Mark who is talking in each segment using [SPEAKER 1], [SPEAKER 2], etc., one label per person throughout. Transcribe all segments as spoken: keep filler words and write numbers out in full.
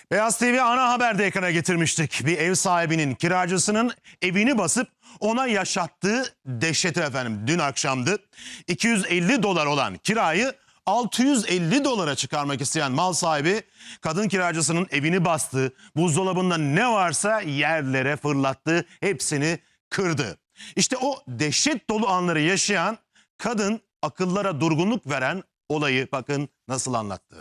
[SPEAKER 1] Beyaz T V ana haberde ekrana getirmiştik. Bir ev sahibinin kiracısının evini basıp ona yaşattığı dehşeti efendim. Dün akşamdı. iki yüz elli dolar olan kirayı altı yüz elli dolara çıkarmak isteyen mal sahibi kadın kiracısının evini bastı. Buzdolabında ne varsa yerlere fırlattı. Hepsini kırdı. İşte o dehşet dolu anları yaşayan kadın akıllara durgunluk veren olayı bakın nasıl anlattı.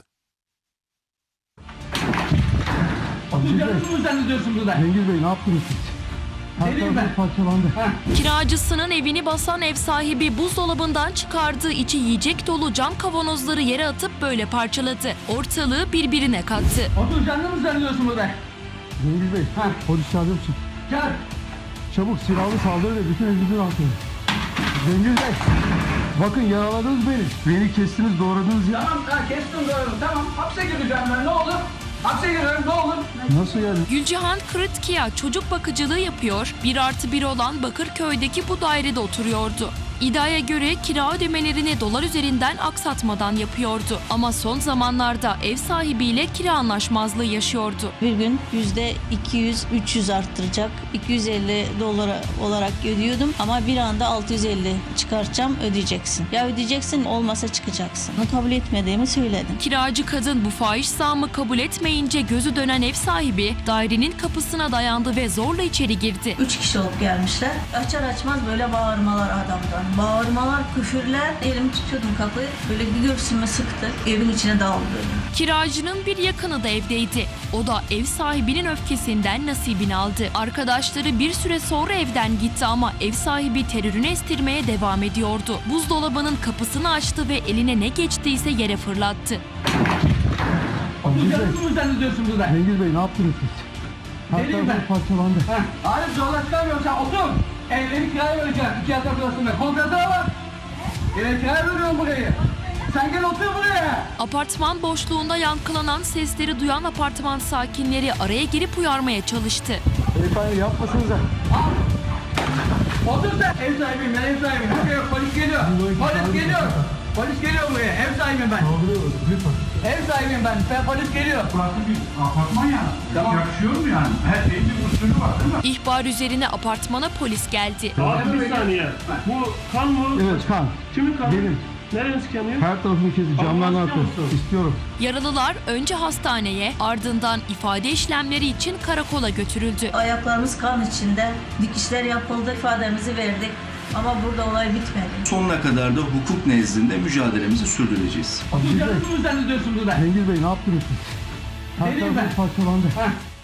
[SPEAKER 2] Oturacağınızı mı zannediyorsun burada?
[SPEAKER 3] Cengiz Bey ne yaptınız siz? Her
[SPEAKER 2] Geleyim
[SPEAKER 3] tarafı
[SPEAKER 2] ben.
[SPEAKER 3] parçalandı.
[SPEAKER 4] Kiracısının evini basan ev sahibi buzdolabından çıkardığı içi yiyecek dolu cam kavanozları yere atıp böyle parçaladı. Ortalığı birbirine kattı.
[SPEAKER 2] Oturacağınızı mı zannediyorsun burada?
[SPEAKER 3] Cengiz Bey
[SPEAKER 2] Ha.
[SPEAKER 3] polis çağırır mısın?
[SPEAKER 2] Gel.
[SPEAKER 3] Çabuk silahlı saldırı ve bütün evimizi atın. Cengiz Bey bakın yaraladınız beni. Beni kestiniz doğradınız ya.
[SPEAKER 2] Tamam, ha, kestim doğru. Tamam, hapse gireceğim ben. Ne olur? Hapse giriyorum, ne olur?
[SPEAKER 3] Nasıl yani?
[SPEAKER 4] Gülcihan Kırıtkiya çocuk bakıcılığı yapıyor, bir artı bir olan Bakırköy'deki bu dairede oturuyordu. İddiaya göre kira ödemelerini dolar üzerinden aksatmadan yapıyordu. Ama son zamanlarda ev sahibiyle kira anlaşmazlığı yaşıyordu.
[SPEAKER 5] Bir gün yüzde iki yüz üç yüz arttıracak. iki yüz elli dolar olarak ödüyordum ama bir anda altı yüz elli çıkartacağım, ödeyeceksin. Ya ödeyeceksin, olmasa çıkacaksın. Bunu kabul etmediğimi söyledim.
[SPEAKER 4] Kiracı kadın bu fahiş zammı kabul etmeyince gözü dönen ev sahibi dairenin kapısına dayandı ve zorla içeri girdi.
[SPEAKER 5] Üç kişi olup gelmişler. Açar açmaz böyle bağırmalar adamdan. Bağırmalar, küfürler. Elimi tutuyordum kapıyı. Böyle bir göğsüme sıktı. Evin içine daldı böyle.
[SPEAKER 4] Kiracının bir yakını da evdeydi. O da ev sahibinin öfkesinden nasibini aldı. Arkadaşları bir süre sonra evden gitti ama ev sahibi terörünü estirmeye devam ediyordu. Buzdolabının kapısını açtı ve eline ne geçtiyse yere fırlattı.
[SPEAKER 3] Cengiz Bey,
[SPEAKER 2] Oturacağınızı mı zannediyorsun burada?
[SPEAKER 3] Cengiz Bey ne yaptınız siz? Her
[SPEAKER 2] Geleyim
[SPEAKER 3] tarafı
[SPEAKER 2] ben.
[SPEAKER 3] parçalandı.
[SPEAKER 2] Ha, Arif zorla çıkarmıyorum sen, otur. Evleri kiraya vereceğim, iki yatak odasında. Kontratına bak. Evleri kiraya veriyorum burayı. Sen gel otur buraya.
[SPEAKER 4] Apartman boşluğunda yankılanan sesleri duyan apartman sakinleri araya girip uyarmaya çalıştı.
[SPEAKER 3] Beyefendi yapmasınıza.
[SPEAKER 2] Al. Otur sen. Ev sahibiyim ben, ev sahibiyim. Yok, yok, polis geliyor. Polis geliyor. Polis geliyor buraya. Ev sahibiyim ben.
[SPEAKER 3] Kaldırıyoruz lütfen.
[SPEAKER 2] Ev sahibiyim ben. Ben polis geliyor.
[SPEAKER 6] Burası bir apartman ya.
[SPEAKER 2] Tamam.
[SPEAKER 6] Yaşıyor mu yani? Her şeyin bir usulü var değil mi?
[SPEAKER 4] İhbar üzerine apartmana polis geldi.
[SPEAKER 7] Abi bir saniye. Bu kan mı?
[SPEAKER 3] Evet kan.
[SPEAKER 7] Kimin kanı?
[SPEAKER 3] Benim.
[SPEAKER 7] Nereniz kanıyor?
[SPEAKER 3] Her tarafını kesti. Camlarını
[SPEAKER 7] Ama
[SPEAKER 3] attı.
[SPEAKER 7] istiyor musun?
[SPEAKER 3] İstiyorum.
[SPEAKER 4] Yaralılar önce hastaneye, ardından ifade işlemleri için karakola götürüldü.
[SPEAKER 5] Ayaklarımız kan içinde. Dikişler yapıldı, ifademizi verdik. Ama burada olay bitmedi.
[SPEAKER 8] Sonuna kadar da hukuk nezdinde mücadelemizi sürdüreceğiz.
[SPEAKER 3] Cengiz Bey,
[SPEAKER 2] Oturacağınızı mı zannediyorsun burada?
[SPEAKER 3] Cengiz Bey ne yaptınız siz? Her
[SPEAKER 2] Geleyim
[SPEAKER 3] tarafı
[SPEAKER 2] ben.
[SPEAKER 3] parçalandı.
[SPEAKER 2] Ha,